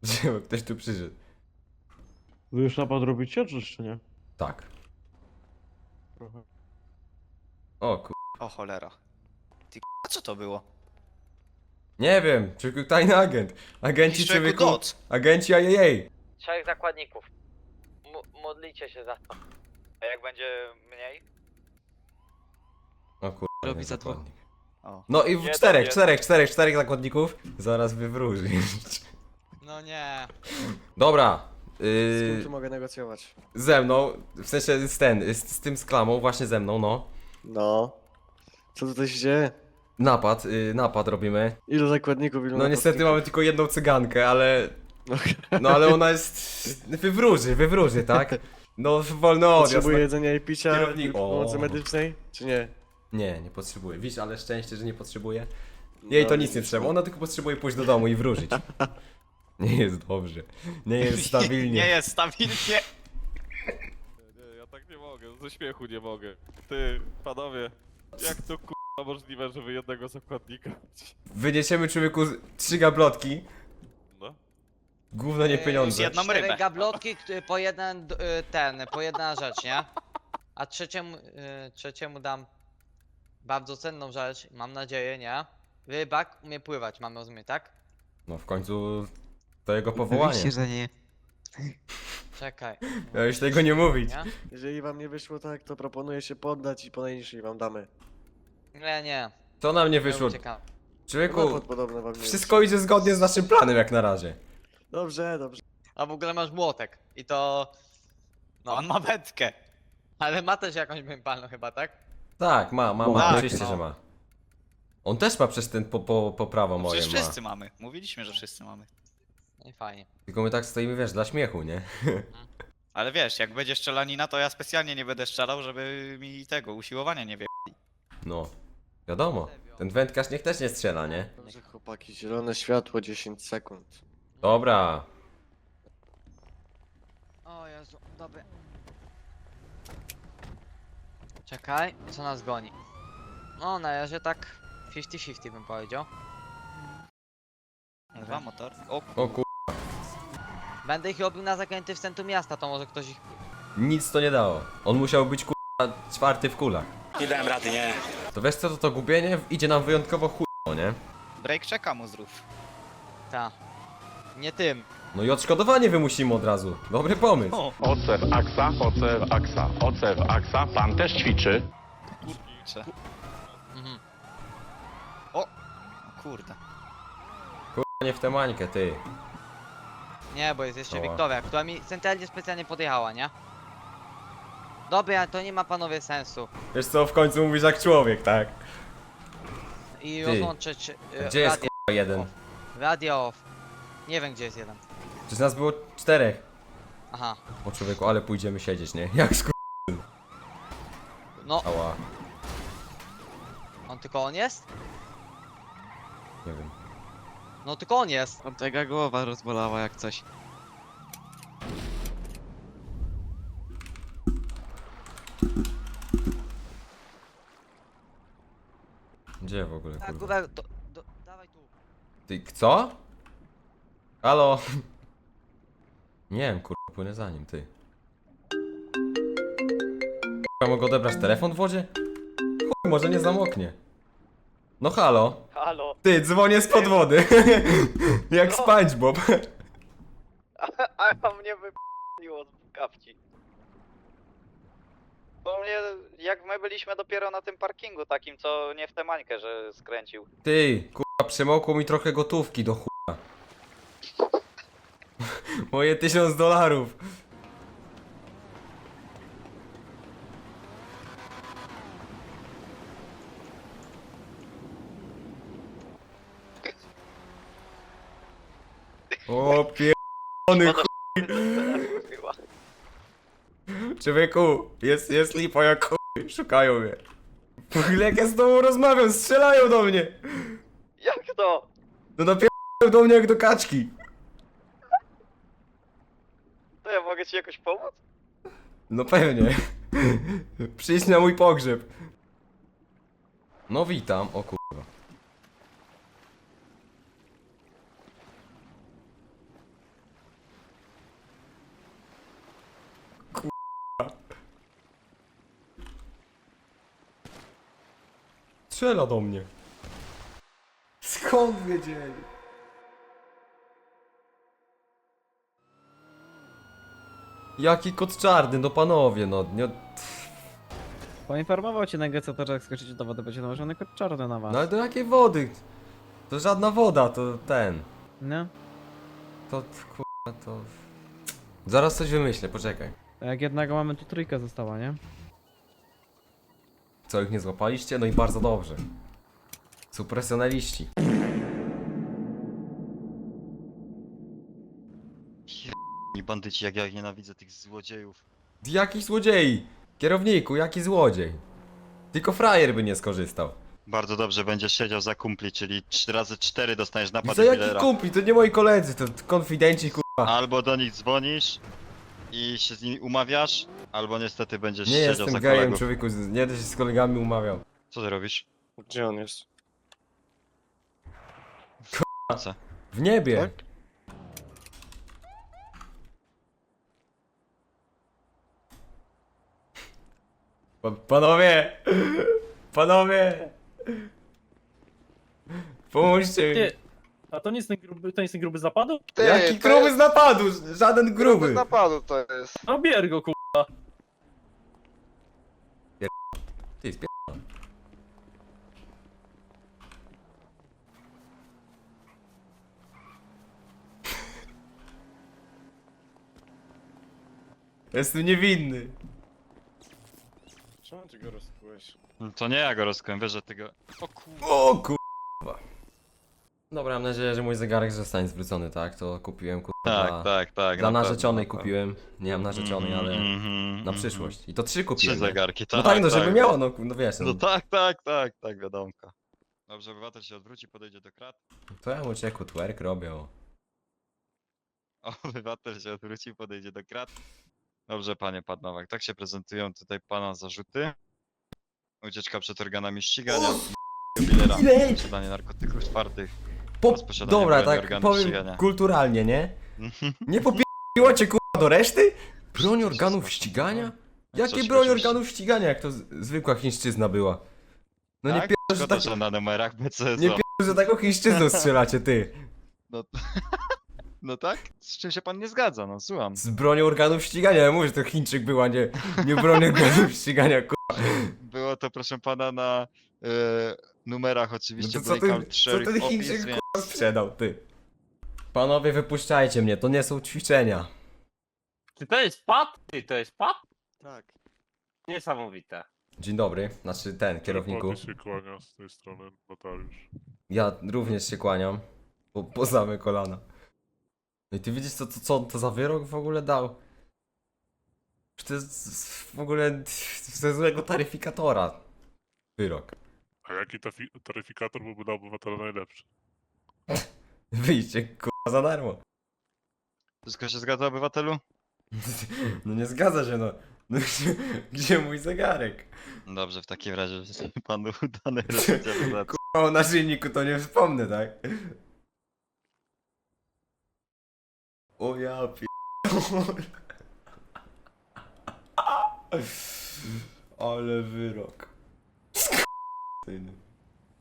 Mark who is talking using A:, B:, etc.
A: Gdzie ktoś tu przyszedł?
B: Wy już napad robicie, czy jeszcze nie?
A: Tak.
B: Trochę.
A: O kur...
C: O cholera. Ty a co to było?
A: Nie wiem, człowieku tajny agent. Agenci
C: Jakiś człowieku
A: człowieku...
C: doc.
A: Agenci ajajej.
D: 3 zakładników. Modlicie się za to.
C: A jak będzie mniej?
A: O kur...
E: Robi za dwóch.
A: zakładnik.
C: O.
A: No i w czterech zakładników zaraz wywróży.
E: No nie.
A: Dobra.
F: Z kim tu mogę negocjować?
A: Ze mną, w sensie z tym z klamą, właśnie ze mną, no.
F: No. Co tutaj się dzieje?
A: Napad robimy.
F: Ilu zakładników, ilu
A: No niestety
F: napastników?
A: mamy tylko jedną cygankę, ale...
F: Okej.
A: No ale ona jest... Wywróży, tak? No wolny odjazd.
F: Potrzebuje jedzenia i picia,
A: Kierownik-
F: pomocy
A: O.
F: medycznej, czy nie?
A: Nie potrzebuje. Widzisz, ale szczęście, że nie potrzebuje. Jej to
F: No,
A: nic nie
F: widzisz,
A: trzeba,
F: no.
A: ona tylko potrzebuje pójść do domu i wróżyć. Nie jest dobrze. Nie jest stabilnie.
C: Nie jest stabilnie.
G: Nie, ja tak nie mogę, ze śmiechu nie mogę. Ty, panowie, jak to k***a możliwe, że wy jednego zakładnika macie?
A: Wyniesiemy człowieku 3 gablotki.
G: No.
A: Gówno nie pieniądze.
C: Jedną rybę.
D: 4 gablotki, po jeden, po jedna rzecz, nie? A trzeciemu dam bardzo cenną rzecz, mam nadzieję, nie? Rybak umie pływać, mamy rozumieć, tak?
A: No w końcu to jego powołanie.
E: Oczywiście, że nie.
D: Czekaj.
A: Miałeś tego nie mówić.
D: Nie?
F: Jeżeli wam nie wyszło tak, to proponuję się poddać i po najniższej wam damy.
D: Nie.
A: To nam nie
D: Ja
A: wyszło.
D: uciekam.
A: Człowieku,
F: Napad podobno wam nie
A: wszystko idzie zgodnie z naszym planem jak na razie.
F: wyszło. Dobrze, dobrze.
D: A w ogóle masz młotek. I to...
C: No on ma wędkę.
D: Ale ma też jakąś mępalną chyba, tak?
A: Tak, ma,
C: Tak,
A: oczywiście,
C: no.
A: że ma. On też ma przez ten po prawo moje
C: Przecież
A: ma.
C: wszyscy mamy. Mówiliśmy, że wszyscy mamy.
D: No i fajnie.
A: Tylko my tak stoimy, wiesz, dla śmiechu, nie?
C: Ale wiesz, jak będzie strzelanina, to ja specjalnie nie będę strzelał, żeby mi tego usiłowania nie wie.
A: No, wiadomo. Ten wędkarz niech też nie strzela, nie?
F: Dobrze chłopaki, zielone światło 10 sekund.
A: Dobra.
D: O Jezu, dobry. Czekaj, co nas goni? No, na razie tak 50-50 bym powiedział.
C: Dwa motor. O
A: O kur...
D: Będę ich robił na zakręty w centrum miasta, to może ktoś ich...
A: Nic to nie dało. On musiał być czwarty w kulach.
H: Nie dałem rady, nie.
A: To wiesz co, to gubienie idzie nam wyjątkowo chujowo, nie?
C: break czeka mu zrób.
D: Ta. Nie tym.
A: No i odszkodowanie wymusimy od razu. Dobry pomysł.
C: O,
I: OC w aksa, OC w aksa, OC w aksa, pan też ćwiczy.
C: kurczę.
D: Mhm.
C: O kurde.
A: Nie w tę mańkę, ty.
D: Nie, bo jest jeszcze
A: Oła.
D: Wiktoria, która mi centralnie specjalnie podjechała, nie? Dobra, to nie ma panowie sensu.
A: Wiesz co, w końcu mówisz jak człowiek, tak?
D: I
A: Ty.
D: rozłączyć
A: Gdzie jest
D: radio,
A: k***a jeden?
D: radio off. Nie wiem gdzie jest jeden.
A: Przecież nas było 4.
D: Aha.
A: O człowieku, ale pójdziemy siedzieć, nie? Jak sku...
D: No,
A: Ała.
D: on tylko on jest?
A: Nie wiem.
D: No tylko on jest.
E: Tam tego głowa rozbolała jak coś.
A: Gdzie w ogóle,
D: Tak,
A: kurwa?
D: górę, dawaj tu.
A: Ty, co? Halo? Nie wiem, kurwa, płynę za nim, ty. Kurwa, mogę odebrać telefon w wodzie? Chuj, może nie zamoknie. No halo?
D: Halo.
A: Ty, dzwonię spod wody. Jak SpongeBob.
D: A mnie wyp***liło z kapci. Bo mnie, jak my byliśmy dopiero na tym parkingu takim, co nie w tę mańkę, że skręcił.
A: Ty, kurwa, przemokło mi trochę gotówki do chuja. Moje $1000. O pierdolony chuj. Człowieku, jest lipa jak chuj. Szukają mnie. W ogóle jak ja z tobą rozmawiam, strzelają do mnie.
D: Jak to?
A: No napierają do mnie jak do kaczki.
D: To ja mogę ci jakoś pomóc?
A: No pewnie. Przyjdź na mój pogrzeb. No witam, o kurwa. Strzela do mnie. Skąd wiedzieli? Jaki kot czarny, no panowie, no nie...
H: Poinformował cię negocjator, że jak skoczycie do wody, będzie nałożony kod czarny na was.
A: No ale do jakiej wody? To żadna woda, to ten...
H: No.
A: To kurwa, to... Zaraz coś wymyślę, poczekaj.
H: A jak jednego mamy, tu trójka została, nie?
A: Co, ich nie złapaliście? No i bardzo dobrze. Są profesjonaliści.
E: I bandyci, jak ja ich nienawidzę, tych złodziejów.
A: Jaki złodziei? Kierowniku, jaki złodziej? Tylko frajer by nie skorzystał.
E: Bardzo dobrze, będziesz siedział za kumpli, czyli 4x4 dostaniesz napad
A: Za jaki
E: dealera.
A: kumpli? To nie moi koledzy, to konfidenci kurwa.
E: Albo do nich dzwonisz i się z nimi umawiasz, albo niestety będziesz
A: Nie
E: siedział
A: jestem
E: za
A: gejem,
E: kolegów.
A: człowieku, nie będę się z kolegami umawiał.
E: Co ty robisz?
F: Gdzie on jest?
E: Co?
A: W niebie.
F: Tak?
A: Panowie! Panowie! Pomóżcie mi.
J: Ty, a to nie jest ten gruby, to nie jest ten gruby z napadu?
A: Jaki gruby z napadu? Żaden gruby.
F: napadu to jest.
J: No bier go, kurwa.
A: Ty spier... Jestem niewinny.
F: Czemu ty go rozkułeś?
E: No to nie ja go rozkłem, wiesz, że ty go... O kurwa.
A: O kurwa. Dobra, mam nadzieję, że mój zegarek zostanie zwrócony, tak? To kupiłem kurwa
E: Tak.
A: dla
E: na
A: narzeczonej
E: pewno.
A: kupiłem. Nie mam narzeczonej, ale na przyszłość. I to 3
E: Trzy
A: kupiłem. nie?
E: zegarki, tak.
A: No tak, no żeby
E: tak.
A: miała, no wiesz.
E: No tak, wiadomka. Dobrze, obywatel się odwróci, podejdzie do krat.
A: To ja mu cieku twerk robię. O.
E: Obywatel się odwróci, podejdzie do krat. Dobrze, panie Padnowak, tak się prezentują tutaj pana zarzuty. Ucieczka przed organami ścigania, jubilera,
A: Ile?
E: posiadanie narkotyków twardych.
A: Po...
E: Rozposiadanie
A: Dobra,
E: broni
A: tak
E: organów
A: powiem
E: ścigania.
A: kulturalnie, nie? Nie popiło cię kurwa do reszty? Broń
E: się
A: organów
E: skończy,
A: ścigania?
E: no.
A: Jakie
E: Coś
A: broń
E: oczywiście.
A: organów ścigania, jak to zwykła chińszczyzna była? No nie
E: Tak?
A: pierdol, że
E: Szkoda,
A: tak...
E: że na numerach BCS.
A: Nie pierdol, że taką chińszczyzną strzelacie, ty.
E: No tak? Z czym się pan nie zgadza, no słucham.
A: Z bronią organów ścigania, ja mówię, że to Chińczyk była, nie broń organów ścigania, kurwa.
E: Było to, proszę pana, na numerach
A: No
E: oczywiście
A: to co
E: byli
A: ten, co
E: count
A: ten
E: opis,
A: Chińczyk
E: więc...
A: kurwa sprzedał, ty? Panowie, wypuszczajcie mnie, to nie są ćwiczenia.
J: Czy to jest pad? Ty, to jest pad?
F: Tak.
J: Niesamowite.
A: Dzień dobry, znaczy ten, kierowniku.
G: się kłania z tej strony, notariusz.
A: Ja również się kłaniam, po same kolana. No i ty widzisz, co on to za wyrok w ogóle dał? Czy to jest w ogóle ze złego taryfikatora wyrok.
G: A jaki taryfikator byłby dla obywatela najlepszy?
A: Wyjście, kurwa, za darmo.
E: Wszystko się zgadza, obywatelu?
A: No nie zgadza się, no. No gdzie mój zegarek?
E: Dobrze, w takim razie życzę panu udanej resocjalizacji.
A: O naszyjniku to nie wspomnę, tak? O ja Ale wyrok. Skurwysyny.